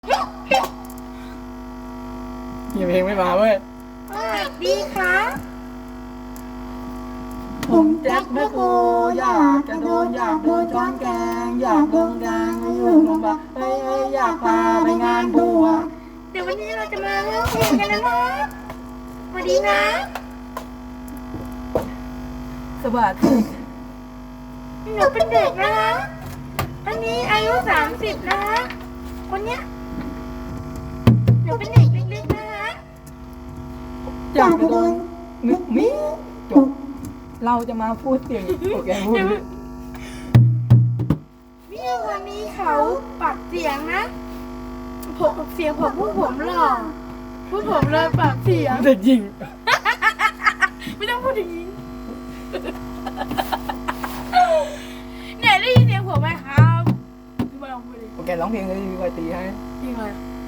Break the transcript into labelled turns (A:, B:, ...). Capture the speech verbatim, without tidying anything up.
A: ยังเพลงไม่มาเว้ย
B: สวัสดีครับ
A: ผมแจ็คแมคโครอยากจะโดนอยากโดนช้อนแกงอยากโดนแกงไม่อยู่ลงบ้าเฮ้ยเฮ้ยอยากพาไปงานบวช
B: เดี๋ยววันนี้เราจะมาเล่าเพลงกันนะครับสวัสดีนะ
A: สวัสดี
B: หนูเป็นเด็กนะคะอันนี้อายุสามสิบนะคะคนเนี้ยหนูเป็นเด็กเล็กๆนะคะ
A: อยากจะโดนนึกมิจบเราจะมาพูดเสียงโอเคพูด
B: พี่คนนี้เขาปรับเสียงนะผมเสียงผมพูดผมหล่อพูดผมเลยปรับเสียง
A: เด็กหญิง
B: ไม่ต้องพูดอย่างนี้เนี่ยได้ยินเสียงผมไหมครับพี่บอลลองพูดดิ
A: โอเคร้องเพลงเลยดีกว่าตีให้
B: จริงเลย